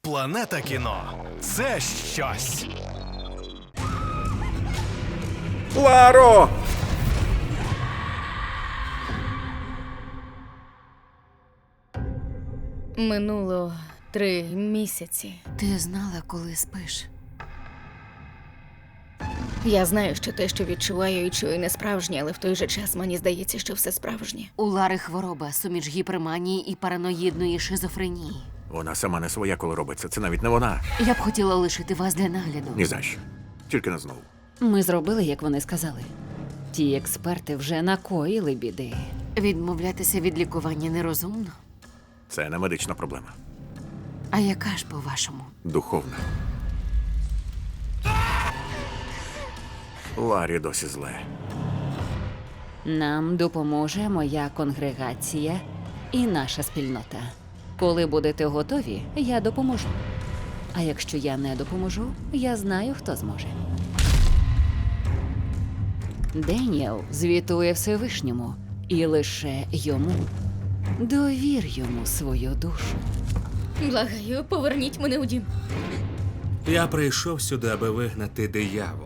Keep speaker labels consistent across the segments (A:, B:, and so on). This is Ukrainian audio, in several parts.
A: Планета кіно – це щось.
B: Ларо!
C: Минуло 3 місяці.
D: Ти знала, коли спиш?
C: Я знаю, що те, що відчуваю і чую, не справжнє, але в той же час мені здається, що все справжнє.
D: У Лари хвороба, суміч гіперманії і параноїдної шизофренії.
B: Вона сама не своя, коли робиться. Це навіть не вона.
D: Я б хотіла лишити вас для нагляду.
B: Ні за що. Тільки не знову.
E: Ми зробили, як вони сказали. Ті експерти вже накоїли біди.
D: Відмовлятися від лікування нерозумно.
B: Це не медична проблема.
D: А яка ж, по-вашому?
B: Духовна. Ларі досі зле.
E: Нам допоможе моя конгрегація і наша спільнота. Коли будете готові, я допоможу. А якщо я не допоможу, я знаю, хто зможе. Деніел звітує Всевишньому, і лише йому. Довір йому свою душу.
C: Благаю, поверніть мене у дім.
F: Я прийшов сюди, аби вигнати диявола.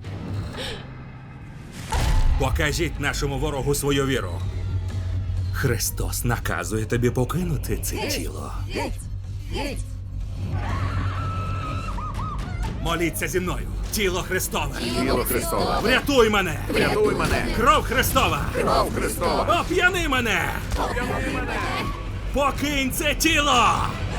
F: Покажіть нашому ворогу свою віру. Христос наказує тобі покинути це тіло. Моліться зі мною. Тіло Христове.
B: Тіло Христове.
F: Врятуй мене.
B: Врятуй мене.
F: Кров Христова.
B: Кров Христова.
F: Оп'яни мене.
B: Оп'яни мене.
F: Покинь це тіло.